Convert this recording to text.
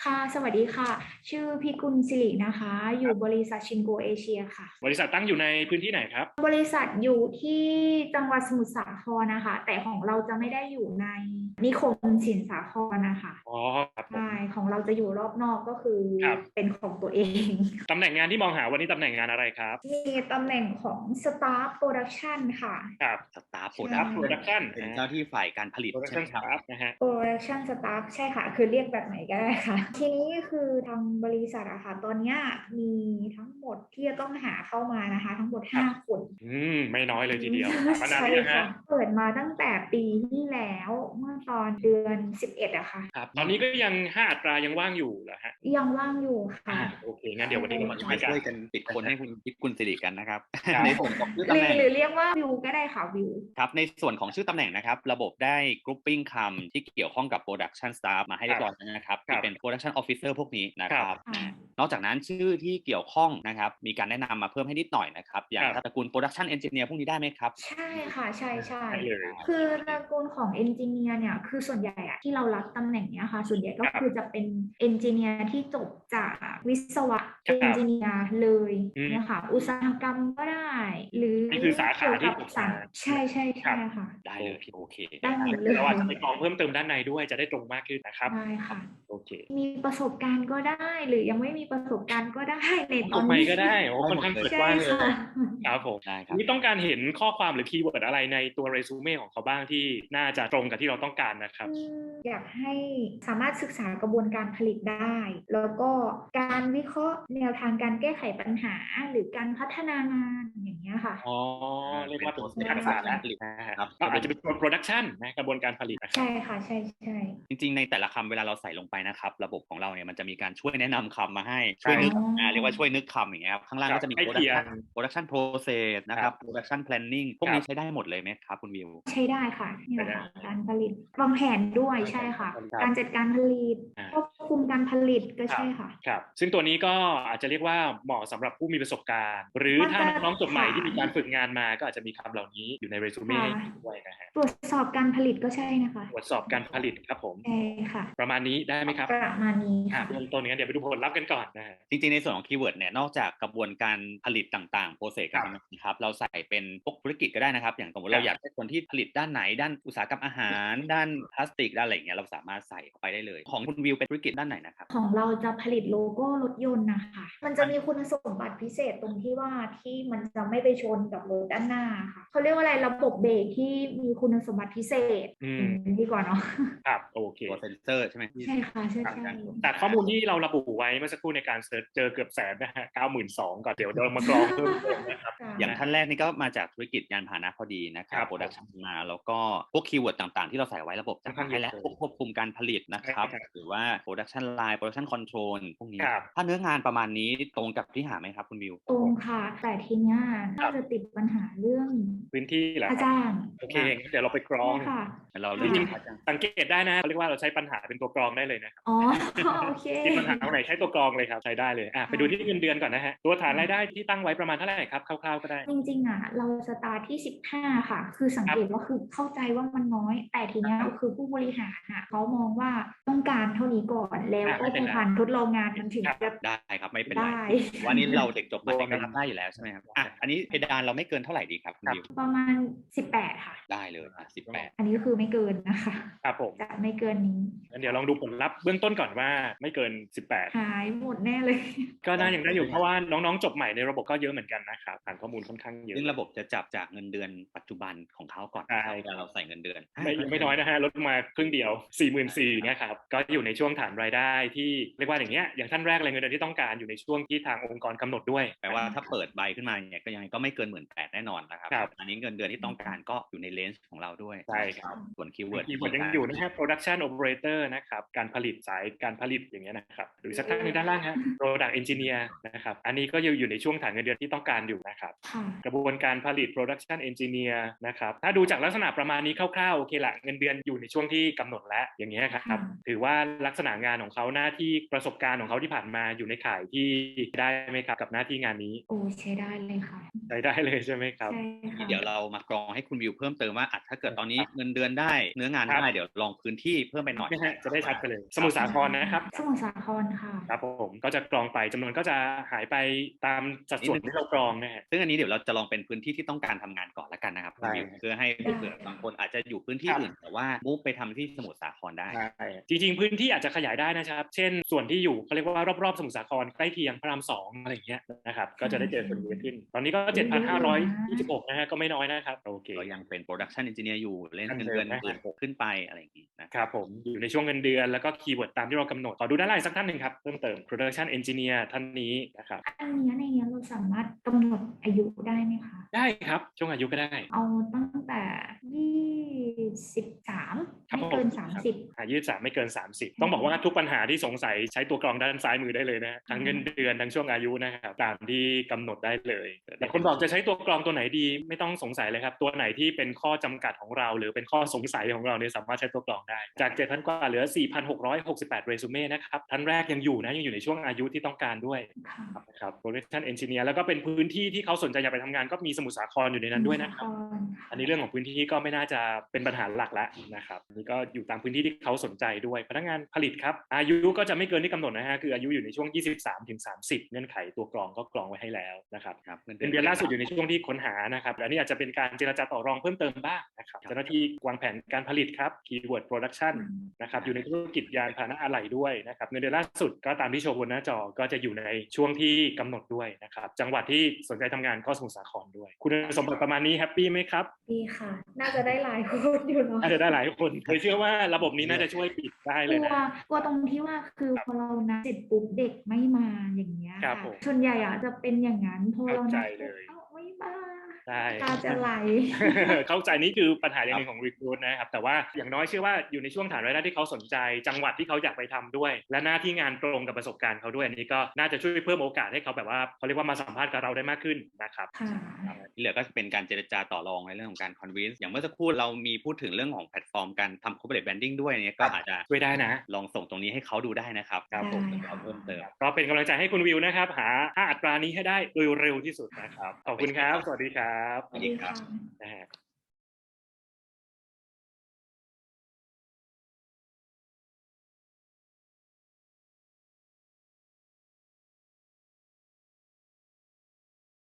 ค่ะสวัสดีค่ะชื่อพิกุลสิรินะคะอยู่บริษัทชินโกเอเชียค่ะบริษัทตั้งอยู่ในพื้นที่ไหนครับบริษัทอยู่ที่จังหวัดสมุทรสาครนะคะแต่ของเราจะไม่ได้อยู่ในนิคมสินสาครนะคะอ๋อครับผมใช่ของเราจะอยู่รอบนอกก็คือครับเป็นของตัวเองตำแหน่งงานที่มองหาวันนี้ตำแหน่งงานอะไรครับมีตำแหน่งของ Staff Production ค่ะครับสตาฟโปรใช่ดักครับ Production เป็นเจ้าที่ฝ่ายการผลิตใช่ไหม Production ครับ Staff นะฮะ Production Staff ใช่ค่ะคือเรียกแบบไหนก็ได้ค่ะทีนี้คือทางบริษัทอะค่ะตอนเนี้ยมีทั้งหมดที่จะต้องหาเข้ามานะคะทั้งหมดครับ 5 คนไม่น้อยเลยทีเดียวมานานหใช่รือยังฮะค่ะเปิดมาตั้งแต่ปีที่แล้วเมื่อตอนเดือน11อะค่ะครับตอนนี้ก็ยัง5อัตรายังว่างอยู่เหรอฮะยังว่างอยู่ค่ะโอเคงั้นเดี๋ยววันนี้เรามาช่วยมากันช่วยกันปิดคนให้คุณพิกุลสิริกันนะครับครับในส่วนของชื่อหรืตำแหน่งอหรือเรียกว่าวิวก็ได้ค่ะวิวครับในส่วนของชื่อตำแหน่งนะครับระบบได้ grouping คำที่เกี่ยวข้องกับ production staff มาให้เรียบร้อยแล้วนะครับที่เป็น production officer พวกนี้นะครับค่ะนอกจากนั้นชื่อที่เกี่ยวข้องนะครับมีการแนะนำมาเพิ่มให้นิดหน่อยนะครับอย่างตระกูล production engineer พววกนี้ได้ไหมครับใช่ค่ะใช่ใช่ได้เลยคือตระกูลของเอนจิเนียร์เนี่ยคือส่วนใหญ่อะที่เรารับตำแหน่งเนี้ยค่ะส่วนใหญ่ก็ครับคือจะเป็นเอนจิเนียร์ที่จบจากวิศวะครัเอนบจิเนียร์เลยอืมเนี่ยค่ะอุตสาหกรรมก็ได้หรือนี่คือสาขาเกี่ยวกับที่ผมมาใช่ใช่ครัใช่บค่ะได้เลยโอเคได้หมดเลเดี๋ยวเราอาจยจะไปกรองเพิ่มเติมด้านในด้วยจะได้ตรงมากขึ้นนะครับได้ค่ะโอเคมีประสบการณ์ก็ได้หรือยังไม่มีประสบการณ์ก็ได้ในตจบใหม่อนนี้ก็ได้โอ้ค่อนข้างเปิดใช่กว้างเลยค่ะครับผมได้ครับนี่ต้องการเห็นข้อความหรือคีย์เวิร์ดอะไรในตัวเรซูเม่ของเขาบ้างที่น่าจะตรงกับที่เราต้องการนะครับอยากให้สามารถศึกษากระบวนการผลิตได้ แล้วก็การวิเคราะห์แนวทางการแก้ไขปัญหาหรือการพัฒนางานอย่างเงี้ยค่ะอ๋อเรียกเป็นว่าเป็น process ทักษะแล้วการผลิตนะฮะครับก็อาจจะเป็นตัวโปรดักชันนะกระบวนการผลิตนะครัใช่บค่ะใช่ใช่จริงๆในแต่ละคำเวลาเราใส่ลงไปนะครับระบบของเราเนี่ยมันจะมีการช่วยแนะนำคำมาให้ช่วยนึกอ๋อเรียกว่าช่วยนึกคำอย่างเงี้ยครับข้างล่างครับก็จะมีใกล้เคียง production process นะครับครับ production planning พวกนี้ใช้ได้หมดเลยไหมครับคุณวิวใช้ได้ค่ะนี่แหละได้ค่ะการผลิตวางแผนด้วยใช่ค่ะครับการจัดการผลิตอ่าควบคุมการผลิตก็ครับใช่ค่ะครับซึ่งตัวนี้ก็อาจจะเรียกว่าเหมาะสำหรับผู้มีประสบการณ์หรือมาถ้าตรน้องๆจบใหม่ฐานที่มีการฝึกงานมาก็อาจจะมีคำเหล่านี้อยู่ในเรซูเม่ค่ะให้ด้วยนะฮะตรวจสอบการผลิตก็ใช่นะคะตรวจสอบการผลิตครับผมใช่ค่ะประมาณนี้ได้ไหมครับประมาณนี้ค่ะเบื้องต้นงั้นเดี๋ยวไปดูผลลัพธ์กันก่อนนะฮะจริงๆในส่วนของคีย์เวิร์ดเนี่ยนอกจากกระบวนการผลิตต่างๆ process ครักาบรทำงานนะครับเราใส่เป็นพวกธุรกิจก็ได้นะครับอย่างสมมติครับเราอยากได้คนที่ผลิตด้านไหนด้านอุตสาหกรรมอาหารด้านพลาสติกด้านอะไรอย่างเงี้ยเราสามารถใส่เข้าไปได้เลยของคุณวิวเป็นธุรกิจด้านไหนนะครับของเราจะผลิตโลโก้รถยนต์นะคะมันจะมีคุณสมบัติพิเศษตรงที่ว่าที่มันจะไม่ไปชนกับรถด้านหน้าค่ะเขาเรียกว่าอะไรระบบเบรกที่มีคุณสมบัติพิเศษดีกว่าเนาะครับโอเคตัวเซนเซอร์ใช่ไหมใช่ค่ะใช่ครับใช่แต่ข้อมูลที่เราระบุไว้เมื่อสักครู่ในการเสิร์ชเจอเกือบแสนนะฮะ92,000ก่อนเดี๋ยวเรามากรองเพิ่มเติมนะครับค่ะอย่างท่านแรกนี่ก็มาจากธุรกิจยานพาหนะพอดีนะครัครับ บโปรดักชันมาแล้วก็พวกคีย์เวิร์ดต่างๆที่เราใส่ไว้ระบบจะให้แล้วพวกควบคุมการผลิตนะครับหรือว่า production line production control พวกนี้ครับถ้าเนื้องานประมาณนี้ตรงกับที่หาไหมครับคุณวิวตรงค่ะแต่ทีเนี้ยน่าจะติดปัญหาเรื่องพื้นที่เหรอค่าครับจ้างโอเคงั้นเดี๋ยวเราไปกรอใช่งค่ะเราจเรียริงกค่าจ้างๆสังเกตได้นะเขาเรียกว่าเราใช้ปัญหาเป็นตัวกรองได้เลยนะครับอ๋อโอเคมีปัญหาตรงไหนใช้ตัวกรองเลยครับใช้ได้เลยไปดูที่เงินเดือนก่อนนะฮะตัวฐานรายได้ที่ตั้งไว้ประมาณเท่าไหร่ครับคร่าวๆก็ได้จริงๆอ่ะเราสตาร์ทที่15ค่ะคือสังเกตว่าคือเข้าใจว่ามันน้อยแต่ทีเนี้ยคือผู้บริหารอ่ะเขามองว่าต้องการเท่านี้ก่อนแล้วก็พอผ่านทดลองงานมันถึงจะได้ครับไม่เป็นไรได้วันนี้เราเด็กจบใหม่ก็รับได้อยู่แล้วใช่ไหมครับอันนี้เพดานเราไม่เกินเท่าไหร่ดีครับคุณวิวประมาณ18ค่ะได้เลย18 อันนี้คือไม่เกินนะคะครับผมจะไม่เกินนี้งั้นเดี๋ยวลองดูผลลัพธ์เบื้องต้นก่อนว่าไม่เกิน18 หายหมดแน่เลยก็น่ายังได้อยู่เพราะว่าน้องๆจบใหม่ในระบบก็เยอะเหมือนกันนะครับฐานข้อมูลค่อนข้างเยอะซึ่งระบบจะจับจากเงินเดือนปัจจุบันของเขาก่อนใช่เวลาเราใส่เงินเดือนยังไม่น้อยนะฮะลดมาครึ่งเดียว 44,000เนี่ยครับก็อยู่ในช่วงฐานรายได้ที่เรียกว่าอย่างเงี้ยอย่างท่านแรกเลยเงินเดือนที่ต้องการอยู่ในช่วงที่ทางองค์กรกำหนดด้วยแปลว่าถ้าเปิดใบขึ้นมาเนี่ยก็ยังไงก็ไม่เกิน18,000แน่นอนนะครับครับอันนี้เงินเดือนที่ต้องการก็อยู่ในเลนส์ของเราด้วยใช่ครับส่วนคีย์เวิร์ดยังอยู่นะฮะ production operator นะครับการผลิตสายการผลิตอย่างเงี้ยนะครับหรือสักท่านหนึงด้านล่างฮะ product engineer นะครับอันนี้ก็อยู่ในช่วงฐานเงินเดือนที่ต้องการอยู่นะครับกระบวนการผลิต production engineer นะครับถ้าดูจากลักษณะประมาณนี้คร่าวๆโอเคละเงินเดือนอยู่ในช่วงที่กำหนดแล้วอย่างเงี้ยครับถือว่าลักษณะงานของเขาหน้าที่ประสบการณ์ของเขาที่ผ่านมาอยู่ในข่ายที่ได้ไหมครับกับหน้าที่งานนี้โอ้ใช้ได้เลยค่ะใช้ได้เลยใช่ไหมครับใช่ค่ะเดี๋ยวเรามากรองให้คุณวิวเพิ่มเติมว่าถ้าเกิดตอนนี้เงินเดือนได้เนื้องานได้เดี๋ยวลองพื้นที่เพิ่มไปหน่อยจะได้ชัดไปเลยสมุทรสาครนะครับสมุทรสาครค่ะครับผมก็จะกรองไปจำนวนก็จะหายไปตามสัดส่วนที่เรากรองนะฮะซึ่งอันนี้เดี๋ยวเราจะลองเป็นพื้นที่ที่ต้องการทำงานก่อนละกันนะครับคุณวิวเพื่อให้เผื่อบางคนอาจจะอยู่พื้นที่อื่นแต่ว่ามุ่งไปทำที่สมุทรสาครได้จริงๆพื้นที่อาจจะขยายได้นะครับเช่นส่วนที่อยู่เขาเรียกว่ารอบๆสมุทรสาครใกล้เคียงพระราม2อะไรอย่างเงี้ยนะครับก็จะได้เจอคนเยอะขึ้นตอนนี้ก็ 7,526 นะฮะก็ไม่น้อยนะครับโอเคก็ยังเป็น production engineer อยู่เล่นเงินเดือน16,000ขึ้นไปอะไรอย่างนี้นะครับผมอยู่ในช่วงเงินเดือนแล้วก็คีย์เวิร์ดตามที่เรากำหนดขอดูด้านล่างสักท่านหนึ่งครับเพิ่มเติม production engineer ท่านนี้นะครับอันนี้ในนี้เราสามารถกำหนดอายุได้ไหมคะได้ครับช่วงอายุก็ได้เอาตั้งแต่23ไม่เกิน30 23ไม่เกิน30ต้องบอกว่าทุกปัญหาที่สงสัยใช้ตัวกรองด้านซ้ายมือได้เลยนะทั้งเงินเดือนทั้งช่วงอายุนะครับตามที่กำหนดได้เลยแต่คนบอกจะใช้ตัวกรองตัวไหนดีไม่ต้องสงสัยเลยครับตัวไหนที่เป็นข้อจำกัดของเราหรือเป็นข้อสงสัยของเราเนี่ยสามารถใช้ตัวกรองได้จาก 7,000 กว่าเหลือ 4,668 เรซูเม่นะครับท่านแรกยังอยู่ในช่วงอายุที่ต้องการด้วยครับ production engineer แล้วก็เป็นพื้นที่ที่เขาสนใจอยากไปทำงานก็มีสมุทรสาครอยู่ในนั้นด้วยนะครับอันนี้เรื่องของพื้นที่ก็ไม่น่าจะเป็นปัญหาหลักแล้วนะครับนี่ก็อยู่ตามพื้นที่ที่เขาสนใจด้วยพนักงานผลิตครับอายุก็จะไม่เกินที่กำหนดนะฮะคืออายุอยู่ในช่วง 23-30 เงื่อนไขตัวกรองก็กรองไว้ให้แล้วนะครับเดือนล่าสุดอยู่ในช่วงที่ค้นหานะครับอันนี้อาจจะเป็นการเจรจาต่อรองเพิ่มเติมบ้างนะครับเจ้าหน้าที่วางแผนการผลิตครับ keyword production นะครับอยู่ในธุรกิจยานพาหนะอะไหล่ด้วยนะครับเงินเดือนล่าสุดก็ตามที่โชว์บนหน้าจอก็จะอยู่ในช่วงที่กำหนดด้วยนะครับจังหวัดที่สนใจทำงานก็สมุทรสาครด้วยคุณสมบัติประมาณนี้แฮปปี้ไหมครับดีค่ะน่าจะได้หลายคนอยู่เนาะน่าจะได้หลายคนเคยเชื่อว่าระบบนี้น่าจะช่วยปิดได้เลยนะกลัวตรงที่ว่าคือพอเรานัดเสร็จปุ๊บเด็กไม่มาอย่างเงี้ยค่ะส่วนใหญ่จะเป็นอย่างนั้นพอเรานัดไม่มาตาจะไหลเข้าใจนี่คือปัญหาอย่างหนึ่งของ recruit นะครับแต่ว่าอย่างน้อยเชื่อว่าอยู่ในช่วงฐานรายได้ที่เขาสนใจจังหวัดที่เขาอยากไปทำด้วยและหน้าที่งานตรงกับประสบการณ์เขาด้วยอันนี้ก็น่าจะช่วยเพิ่มโอกาสให้เขาแบบว่าเขาเรียกว่ามาสัมภาษณ์กับเราได้มากขึ้นนะครับที่เหลือก็เป็นการเจรจาต่อรองในเรื่องของการ convince อย่างเมื่อสักครู่เรามีพูดถึงเรื่องของแพลตฟอร์มการทำ corporate branding ด้วยเนี่ยก็อาจจะช่วยได้นะลองส่งตรงนี้ให้เขาดูได้นะครับครับผมเพิ่มเติมก็เป็นกำลังใจให้คุณวิวนะครับหาอัตรานี้ให้ได้โดยเร็วที่สุดนะครับขอบคุณครับสวัสดีครับสวัสดีครับ